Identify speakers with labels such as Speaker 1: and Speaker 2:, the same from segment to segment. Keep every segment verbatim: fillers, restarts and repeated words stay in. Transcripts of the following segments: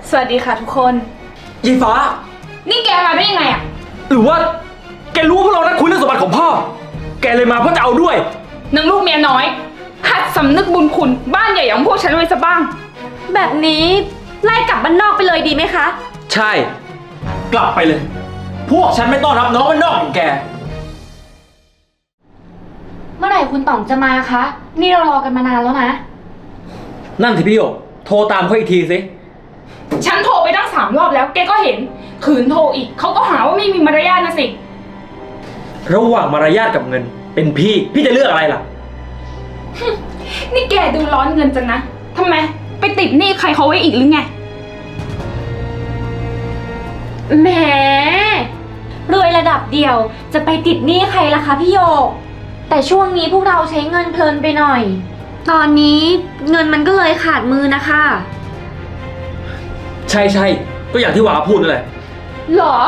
Speaker 1: สวัสดีค่ะทุกคน
Speaker 2: ยีฟ้า
Speaker 1: นี่แกมาได้ยังไงอะ
Speaker 2: หรือว่าแกรู้ว่าพวกเรานัดคุยเรื่องสมบัติของพ่อแกเลยมาเพื่อจะเอาด้วย
Speaker 1: นางลูกเมียน้อยหัดสำนึกบุญคุณบ้านใหญ่อย่างพวกฉันไว้ซะบ้าง
Speaker 3: แบบนี้ไล่กลับบ้านนอกไปเลยดีไหมคะ
Speaker 2: ใช่กลับไปเลยพวกฉันไม่ต้อนรับน้องบ้านนอกอย่างแก
Speaker 3: เมื่อไหร่คุณต่องจะมาคะนี่เรารอกันมานานแล้วนะ
Speaker 2: นั่นสิพี่หยกโทรตามเขาอีกทีสิ
Speaker 1: ฉันโทรไปตั้งสามรอบแล้วแกก็เห็นขืนโทรอีกเขาก็หาว่าไม่มีมารยาทนะสิ
Speaker 2: ระหว่างมารยาทกับเงินเป็นพี่พี่จะเลือกอะไรล่ะ
Speaker 1: นี่แกดูร้อนเงินจังนะทำไมไปติดหนี้ใครเขาไว้อีกหรือไง
Speaker 3: แหมรวยระดับเดียวจะไปติดหนี้ใครล่ะคะพี่โยกแต่ช่วงนี้พวกเราใช้เงินเพลินไปหน่อยตอนนี้เงินมันก็เลยขาดมือนะคะ
Speaker 2: ใช่ใช่ก็อย่างที่วาพูดนั่นแหละ
Speaker 1: หรอ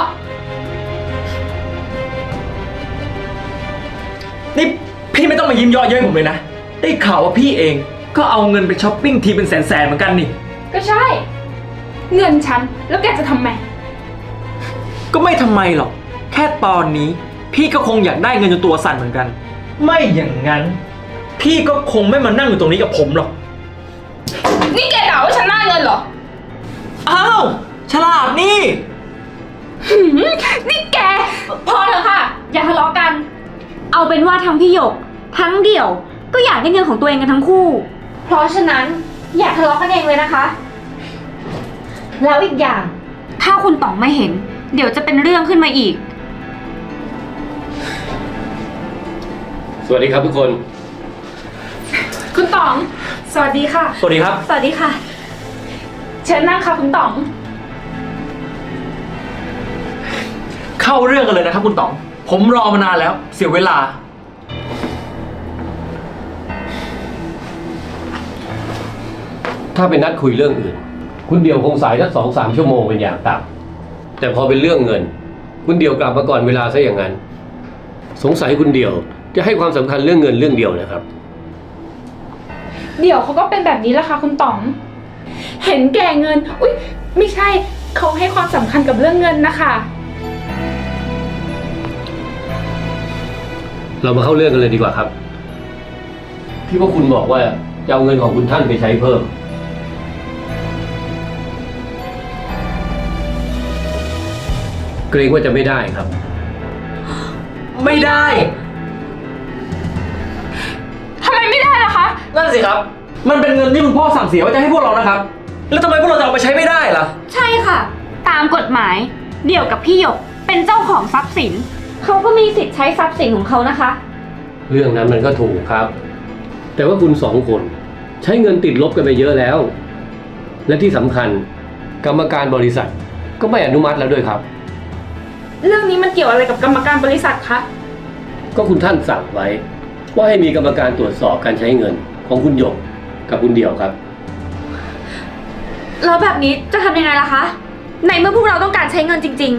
Speaker 2: นี่พี่ไม่ต้องมายิ้มเยาะเย้ยผมเลยนะได้ข่าวว่าพี่เองก็เอาเงินไปช้อปปิ้งทีเป็นแสนๆเหมือนกันนี่
Speaker 1: ก็ใช่เงินฉันแล้วแกจะทำไม
Speaker 2: ก็ไม่ทำไมหรอกแค่ตอนนี้พี่ก็คงอยากได้เงินจนตัวสั่นเหมือนกันไม่อย่างนั้นพี่ก็คงไม่มานั่งอยู่ตรงนี้กับผมหรอก
Speaker 1: นี่แกด่าว่าฉันหน้าเงินเหรอ
Speaker 2: อ้าวฉลาดนี่
Speaker 1: นี่แกพอเถอะค่ะอย่าทะเลาะกัน
Speaker 3: เอาเป็นว่าทั้งพี่หยกทั้งเดี่ยวก็อยากได้เงินของตัวเองกันทั้งคู่เพราะฉะนั้นอย่าทะเลาะกันเองเลยนะคะแล้วอีกอย่างถ้าคุณต๋องไม่เห็นเดี๋ยวจะเป็นเรื่องขึ้นมาอีก
Speaker 4: สวัสดีครับทุกคน
Speaker 1: คุณต๋องสวัสดีค่ะ
Speaker 2: สวัสดีครับ
Speaker 3: สวัสดีค่ะ
Speaker 1: เชิญนั่งค่ะคุณต๋อง
Speaker 2: เข้าเรื่องกันเลยนะครับคุณต๋องผมรอมานานแล้วเสียเวลา
Speaker 4: ถ้าเป็นนัดคุยเรื่องอื่นคุณเดียวคงสายสักสองสามชั่วโมงเป็นอย่างต่ำแต่พอเป็นเรื่องเงินคุณเดียวกลับมาก่อนเวลาซะอย่างนั้นสงสัยคุณเดียวจะให้ความสำคัญเรื่องเงินเรื่องเดียวนะครับ
Speaker 1: เดี๋ยวเขาก็เป็นแบบนี้แหละค่ะคุณต๋องเห็นแก่เงินอุ๊ยไม่ใช่เขาให้ความสำคัญกับเรื่องเงินนะคะ
Speaker 4: เรามาเข้าเรื่องกันเลยดีกว่าครับที่ว่าคุณบอกว่าจะเอาเงินของคุณท่านไปใช้เพิ่มเกรงว่าจะไม่ได้ครับ
Speaker 2: ไม่ได้
Speaker 1: ทำไมไม่ได้ล่ะคะ
Speaker 2: นั่นสิครับมันเป็นเงินที่คุณพ่อสั่งเสียว่าจะให้พวกเรานะครับแล้วทำไมพวกเราจะเอาไปใช้ไม่ได้ล่ะ
Speaker 3: ใช่ค่ะตามกฎหมายเดี่ยวกับพี่หยกเป็นเจ้าของทรัพย์สินเขาก็มีสิทธิ์ใช้ทรัพย์สินของเขานะคะ
Speaker 4: เรื่องนั้นมันก็ถูกครับแต่ว่าคุณสองคนใช้เงินติดลบกันไปเยอะแล้วและที่สำคัญกรรมการบริษัทก็ไม่อนุมัติแล้วด้วยครับ
Speaker 1: เรื่องนี้มันเกี่ยวอะไรกับกรรมการบริษัทคะ
Speaker 4: ก็คุณท่านสั่งไว้ว่าให้มีกรรมการตรวจสอบการใช้เงินของคุณหยกกับคุณเดี่ยวครับ
Speaker 3: แล้วแบบนี้จะทำยังไงล่ะคะในเมื่อพวกเราต้องการใช้เงินจริง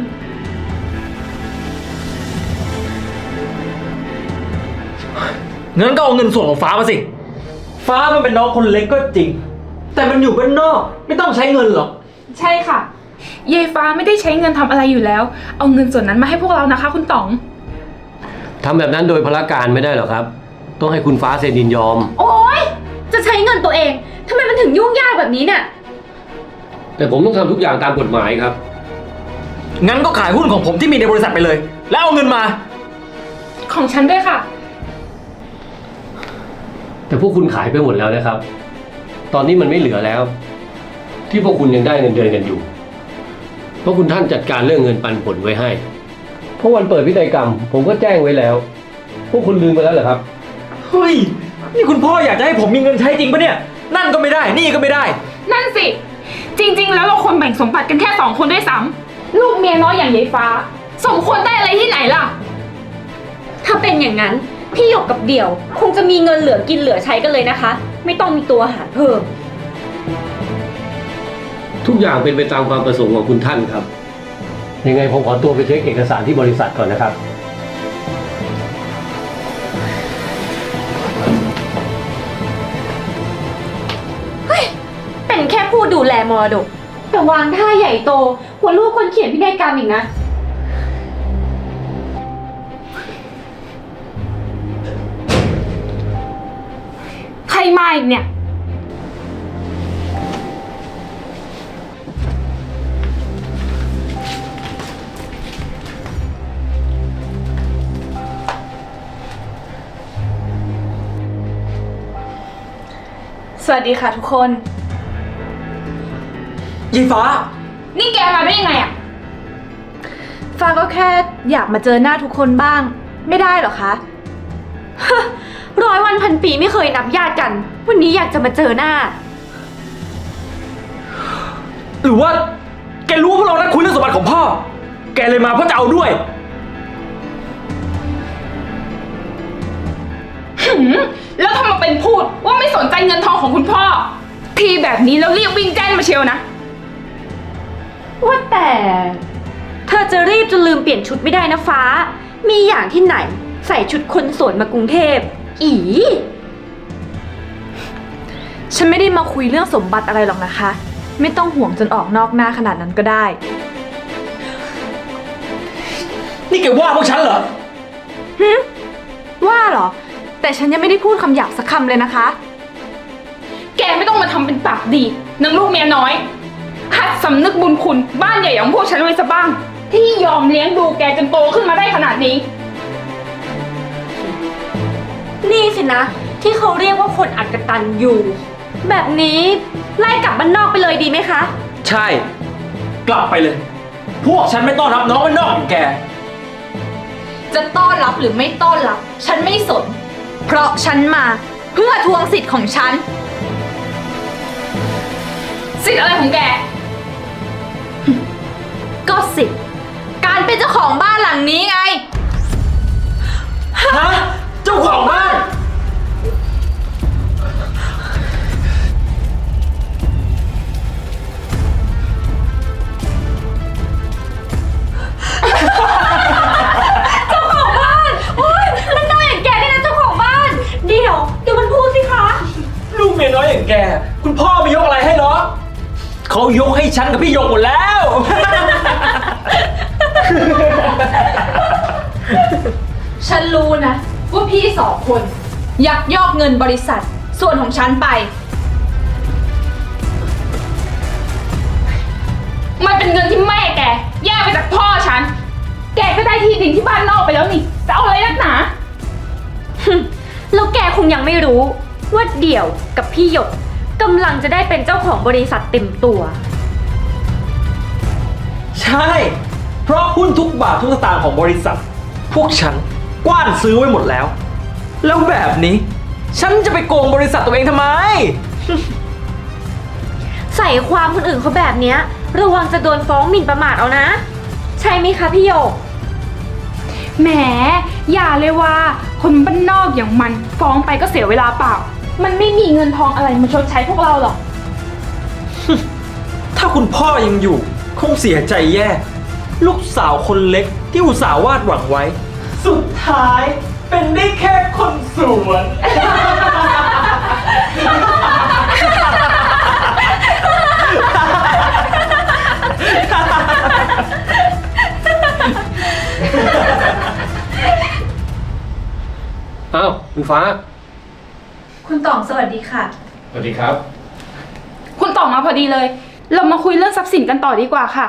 Speaker 2: ๆงั้นก็เอาเงินส่วนของฟ้ามาสิฟ้ามันเป็นน้องคนเล็กก็จริงแต่มันอยู่บ้านนอกไม่ต้องใช้เงินหรอก
Speaker 1: ใช่ค่ะยายฟ้าไม่ได้ใช้เงินทำอะไรอยู่แล้วเอาเงินส่วนนั้นมาให้พวกเรานะคะคุณต๋อง
Speaker 4: ทำแบบนั้นโดยพลการไม่ได้หรอกครับต้องให้คุณฟ้าเซ็นยินยอม
Speaker 3: โอ๊ยจะใช้เงินตัวเองทำไมมันถึงยุ่งยากแบบนี้เนี่ย
Speaker 4: แต่ผมต้องทำทุกอย่างตามกฎหมายครับ
Speaker 2: งั้นก็ขายหุ้นของผมที่มีในบริษัทไปเลยแล้วเอาเงินมา
Speaker 1: ของฉันด้วยค่ะ
Speaker 4: แต่พวกคุณขายไปหมดแล้วนะครับตอนนี้มันไม่เหลือแล้วที่พวกคุณยังได้เงินเดือนกันอยู่เพราะคุณท่านจัดการเรื่องเงินปันผลไว้ให้เพราะวันเปิดพิธีกรรมผมก็แจ้งไว้แล้วพวกคุณลืมไปแล้วเหรอครับ
Speaker 2: เฮ้ยนี่คุณพ่ออยากจะให้ผมมีเงินใช้จริงปะเนี่ยนั่นก็ไม่ได้นี่ก็ไม่ได้
Speaker 1: นั่นสิจริงๆแล้วเราควรแบ่งสมบัติกันแค่สองคนด้วยซ้ำลูกเมียน้อยอย่างยายฟ้าสมควรได้อะไรที่ไหนล่ะ
Speaker 3: ถ้าเป็นอย่างนั้นพี่หยกกับเดี่ยวคงจะมีเงินเหลือกินเหลือใช้กันเลยนะคะไม่ต้องมีตัวหารเพิ่ม
Speaker 4: ทุกอย่างเป็นไปตามความประสงค์ของคุณท่านครับยังไงผมขอตัวไปเช็คเอกสารที่บริษัทก่อนนะครับ
Speaker 3: เป็นแค่ผู้ดูแลมรดกแต่วางท่าใหญ่โตกว่าลูกคนเขียนพินัยกรรมอีกนะ
Speaker 1: ใครมาอีกเนี่ย
Speaker 5: สวัสดีค่ะทุกคน
Speaker 2: ยีฟ้า
Speaker 1: นี่แกมาได้ยังไงอะ
Speaker 5: ฟ้าก็แค่อยากมาเจอหน้าทุกคนบ้าง ไม่ได้หรอคะ
Speaker 3: ร้อยวันพันปีไม่เคยนับญาติกัน วันนี้อยากจะมาเจอหน้า
Speaker 2: หรือว่า แกรู้ว่าพวกเรานัดคุยเรื่องสมบัติของพ่อ แกเลยมาเพราะจะเอาด้วย
Speaker 1: หืมแล้วทำมาเป็นพูดว่าไม่สนใจเงินทองของคุณพ่อ ทีแบบนี้แล้วเรียกวิ่งแจ้นมาเชียวนะ
Speaker 3: ว่าแต่ เธอจะรีบจนลืมเปลี่ยนชุดไม่ได้นะฟ้า มีอย่างที่ไหน ใส่ชุดคนสวยมากรุงเทพ อี
Speaker 5: ฉันไม่ได้มาคุยเรื่องสมบัติอะไรหรอกนะคะ ไม่ต้องห่วงจนออกนอกหน้าขนาดนั้นก็ได้
Speaker 2: นี่แกว่าพวกฉันเหรอ
Speaker 5: ว่าเหรอ แต่ฉันยังไม่ได้พูดคำหยาบสักคำเลยนะคะ
Speaker 1: แกไม่ต้องมาทำเป็นปากดีนางลูกเมียน้อยหัดสำนึกบุญคุณบ้านใหญ่ของพวกฉันไว้ซะบ้าง ที่ยอมเลี้ยงดูแกจนโตขึ้นมาได้ขนาดนี้
Speaker 3: นี่สินะ ที่เขาเรียกว่าคนอักตันอยู่ แบบนี้ไล่กลับบ้านนอกไปเลยดีไหมคะ
Speaker 2: ใช่ กลับไปเลย พวกฉันไม่ต้อนรับน้องบ้านนอกอย่างแก
Speaker 5: จะต้อนรับหรือไม่ต้อนรับ ฉันไม่สน เพราะฉันมาเพื่อทวงสิทธิ์ของฉัน
Speaker 1: สิทธิ์อะไรของแก
Speaker 5: ก็สิทธิ์การเป็นเจ้าของบ้านหลังนี้ไง
Speaker 2: ฮะ เจ้าของบ้าน
Speaker 3: มันน้อยอย่างแกนี่นะเจ้าของบ้าน เดี๋ยวเดี๋ยวมันพูดสิคะ
Speaker 2: ลูกเมียน้อยอย่างแก คุณพ่อไม่ยกอะไรให้หรอเขายกให้ฉันกับพี่หยกหมดแล้ว
Speaker 5: ฉันรู้นะว่าพี่สองคนยักยอกเงินบริษัทส่วนของฉันไป
Speaker 1: มันเป็นเงินที่แม่แกแย่งไปจากพ่อฉัน แกก็ได้ที่ดินที่บ้านนอกไปแล้วนี่ จะเอาอะไรนักหนา
Speaker 3: แล้วแกคงยังไม่รู้ ว่าเดี่ยวกับพี่หยกกำลังจะได้เป็นเจ้าของบริษัทเต็มตัว
Speaker 2: ใช่ เพราะหุ้นทุกบาททุกสตางค์ของบริษัท พวกฉันกว้านซื้อไว้หมดแล้ว แล้วแบบนี้ ฉันจะไปโกงบริษัทตัวเองทำไม
Speaker 3: ใส่ความคนอื่นเขาแบบเนี้ยระวังจะโดนฟ้องหมิ่นประมาทเอานะ ใช่ไหมคะพี่หยก
Speaker 1: แหม อย่าเลยว่า คนบ้านนอกอย่างมันฟ้องไปก็เสียเวลาเปล่า มันไม่มีเงินทองอะไรมาชดใช้พวกเราหรอก
Speaker 2: ถ้าคุณพ่อยังอยู่ คงเสียใจแย่ ลูกสาวคนเล็กที่อุตส่าห์วาดหวังไว้ สุดท้ายเป็นได้แค่คนสวน
Speaker 4: อ้าวคุณฟ้า
Speaker 5: คุณต่องสวัสดีค่ะ
Speaker 4: สวัสดีครับ
Speaker 1: คุณต่อมาพอดีเลย เรามาคุยเรื่องทรัพย์สินกันต่อดีกว่าค่ะ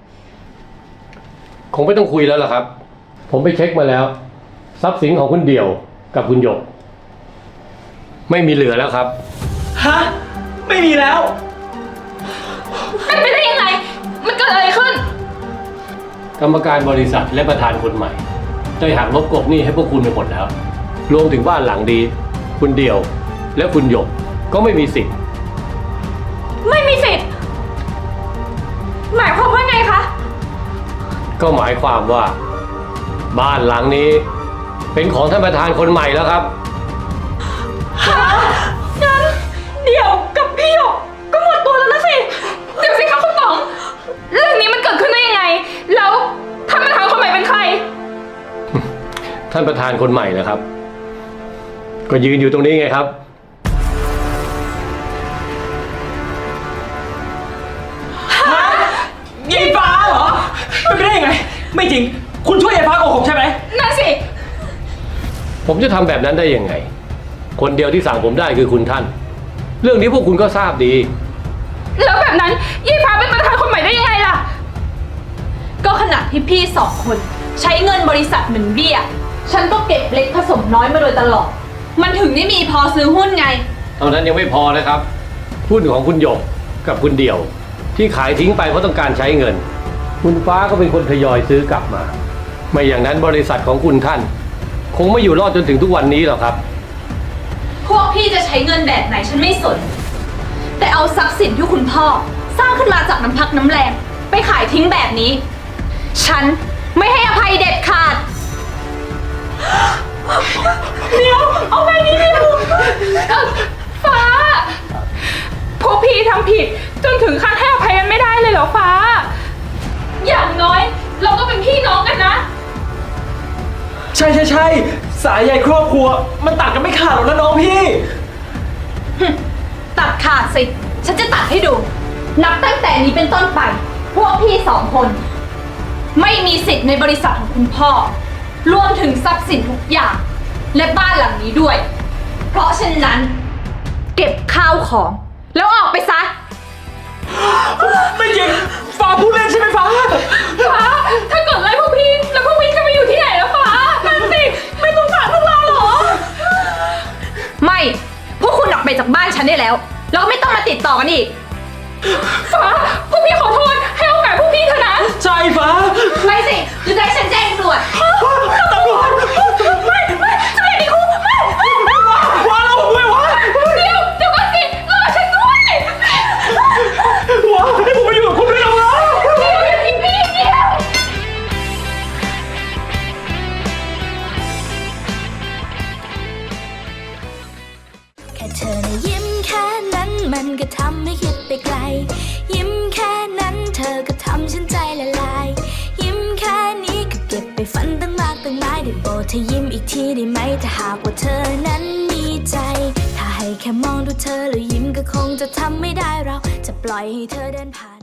Speaker 4: คงไม่ต้องคุยแล้วล่ะครับ ผมไปเช็คมาแล้ว ทรัพย์สินของคุณเดี่ยวกับคุณหยก ไม่มีเหลือแล้วครับ
Speaker 2: ฮะ ไม่มีแล้ว
Speaker 1: เป็นไปได้ยังไง มันเกิดอะไรขึ้น
Speaker 4: กรรมการบริษัทและประธานคนใหม่ได้หักลบกบหนี้ให้พวกคุณไปหมดแล้ว รวมถึงบ้านหลังดี คุณเดี่ยว และคุณหยกก็ไม่มีสิทธิ์
Speaker 3: ไม่มีสิทธิ์ หมายความว่าไงคะ
Speaker 4: ก็หมายความว่า บ้านหลังนี้ เป็นของท่านประธานคนใหม่แล้วครับ
Speaker 3: งั้นเดี๋ยวกับพี่หยกก็หมดตัวแล้วนะสิ
Speaker 1: เดี๋ยวสิคะคุณต๋อง เรื่องนี้มันเกิดขึ้นได้ยังไง แล้วท่านประธานคนใหม่เป็นใคร
Speaker 4: ท่านประธานคนใหม่นะครับ ก็ยืนอยู่ตรงนี้ไงครับ
Speaker 2: ฮะไม่จริง คุณช่วยยายฟ้าโกหกใช่ไหม
Speaker 1: นั่นสิ
Speaker 4: ผมจะทำแบบนั้นได้ยังไง คนเดียวที่สั่งผมได้คือคุณท่าน เรื่องนี้พวกคุณก็ทราบดี
Speaker 1: แล้วแบบนั้นยายฟ้าเป็นประธานคนใหม่ได้ยังไงล่ะ
Speaker 5: ก็ขณะที่พี่สองคนใช้เงินบริษัทเหมือนเบี้ย ฉันก็เก็บเล็กผสมน้อยมาโดยตลอด มันถึงได้มีพอซื้อหุ้นไง
Speaker 4: เท่านั้นยังไม่พอนะครับ หุ้นของคุณหยกกับคุณเดี่ยว ที่ขายทิ้งไปเพราะต้องการใช้เงิน คุณฟ้าก็เป็นคนทยอยซื้อกลับมา ไม่อย่างนั้นบริษัทของคุณท่าน คงไม่อยู่รอดจนถึงทุกวันนี้หรอกครับ
Speaker 5: พวกพี่จะใช้เงินแบบไหนฉันไม่สน แต่เอาทรัพย์สินที่คุณพ่อ สร้างขึ้นมาจากน้ำพักน้ำแรงไปขายทิ้งแบบนี้ ฉันไม่ให้อภัยเด็ดขาด
Speaker 1: เดี๋ยว เอาไปนี่เดียวเอ่อฟ้า พวกพี่ทำผิดจนถึงขั้นให้อภัยกันไม่ได้เลยเหรอฟ้า อย่างน้อย เราก็เป็นพี่น้องกันนะ
Speaker 2: ใช่ใช่ใช่สายใยครอบครัว มันตัดกันไม่ขาดหรอกนะน้องพี่
Speaker 5: ตัดขาดสิ ฉันจะตัดให้ดู นับตั้งแต่นี้เป็นต้นไป พวกพี่สองคน ไม่มีสิทธิ์ในบริษัทของคุณพ่อ รวมถึงทรัพย์สินทุกอย่าง และบ้านหลังนี้ด้วย เพราะฉะนั้น เก็บข้าวของ แล้วออกไปซะ
Speaker 2: ไม่จริง ฟ้าพูดเล่นใช่ไหมฟ้า
Speaker 1: ฟ้า ถ้าเกิดไล่พวกพี่ แล้วพวกพี่จะไปอยู่ที่ไหนแล้วฟ้า นั่นสิ ไม่สงสารพวกเราเหรอ
Speaker 5: ไม่ พวกคุณออกไปจากบ้านฉันได้แล้ว แล้วก็ไม่ต้องมาติดต่อกันอีก
Speaker 1: ฟ้า พวกพี่ขอโทษ ให้โอกาสพวกพี่เถอะนะ
Speaker 2: ใช่ฟ้า
Speaker 5: ไม่สิหรือจะให้ฉันแจ้งตำรวจ
Speaker 2: ตำรวจไม่ไม่จะไม่ดีคุกไม่ไม่ว้าว้าเราด้วยวะ
Speaker 1: เดี๋ยว เดี๋ยวก่อนสิรอฉันด้วย
Speaker 2: ว้าให้ผมไปอยู่กับคุณด้วยนะวะ
Speaker 1: เดี๋ยวอย่าทิ้งพี่เดียว
Speaker 6: แค่เธอนะยิ้มแค่นั้นมันก็ทำให้คิดไปไกล ยิ้มแค่นั้นเธอก็ทำฉันใจละลาย ยิ้มแค่นี้ก็เก็บไปฝันตั้งมากตั้งหลายได้โปรดเธอยิ้มอีกทีได้ไหมถ้าหากว่าเธอนั้นมีใจ ถ้าให้แค่มองดูเธอแล้วยิ้มก็คงจะทำไม่ได้เราจะปล่อยให้เธอเดินผ่าน